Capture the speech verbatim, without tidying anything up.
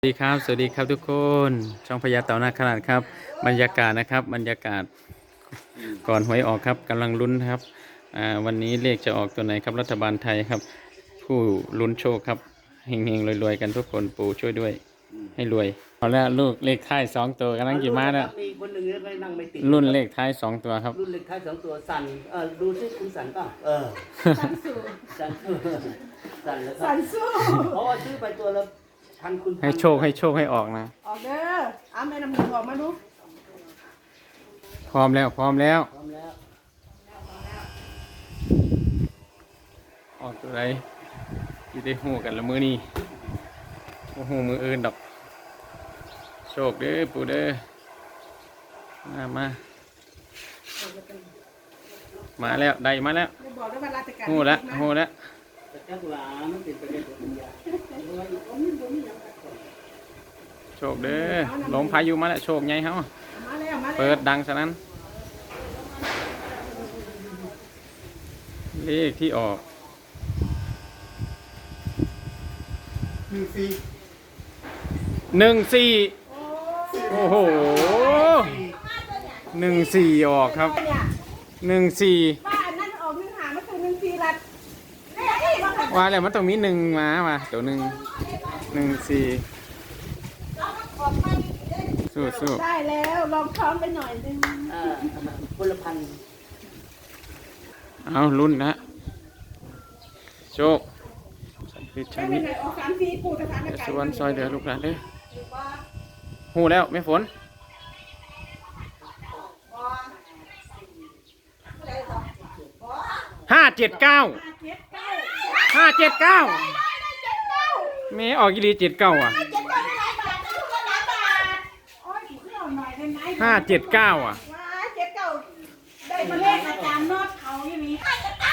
สวัสดีครับสวัสดีครับทุกคนช่องพญาเต่านาคราชครับบรรยากาศนะครับบรรยากาศก่อนหวยออกครับกำลังลุ้นครับอ่าวันนี้เลขจะออกตัวไหนครับรัฐบาลไทยครับ ผู้ลุ้นโชคครับเฮงๆรวยๆกันทุกคนปู่ช่วยด้วยให้รวยเอาแล้วลูกเลขท้ายสองตัวกำลังกี่มาแล้วมีคนหนึ่งเนี่ยก็นั่งไม่ติดรุ่นเลขท้ายสองตัวครับรุ่นเลขท้ายสองตัวสั่นเออดูซิคุณสั่นป่ะเออสันสูสั่นสั่นแล้วครัสับนสู้เพราะว่าซื้อไปตัวละพันคุณให้โชคให้โชคให้ออกนะออกเด้อเอาแม่น้ำหนึ่งออกมาดูพร้อมแล้วพร้อมแล้วพร้อมแล้วออกตัวไหนอยู่ได้หูกันละมือนี่โอ้โหมืออื่นดอกโชคเด้อปู่เด้อมามามาแล้วได้มาแล้วบอกได้ว่าราชการหูแล้วหูแล้วแต่จักหลามันเป็นประเด็นปัญญาโชคเด้อลมพายุมาแล้วโชคไงเฮามาแล้วมาแล้วเปิดดังซะนั้นเลขที่ออกหนึ่งสี่หนึ่งสี่โอ้โหหนึ่งสี่ออกครับหนึ่งสี่ว่าอันนั้นออกหนึ่งหามาถึงหนึ่งสี่รัดว่าแล้วมันต้องมีหนึ่งมามาตัวหนึ่งหนึ่งสี่สู้สู้ได้แล้วลองช้อนไปหน่อยนึงอ่าคนละพันเอาลุ้นนะโชคสันติชาไม่เป็มินไรออกสามสี่ปูทหารอากาศสวรรค์ซอยเดือลูกหลานเลยหูแล้วไม่ฝนห้าเจ็ดเก้าห้าเจ็ดเก้าเมย์ออกกี่ดีเจ็ดเก้าอ่ะห้าเจ็ดเก้าอ่ะว้าเจ็ดเก้าได้มาเลขอาจารย์นอดเขาอย่างนี้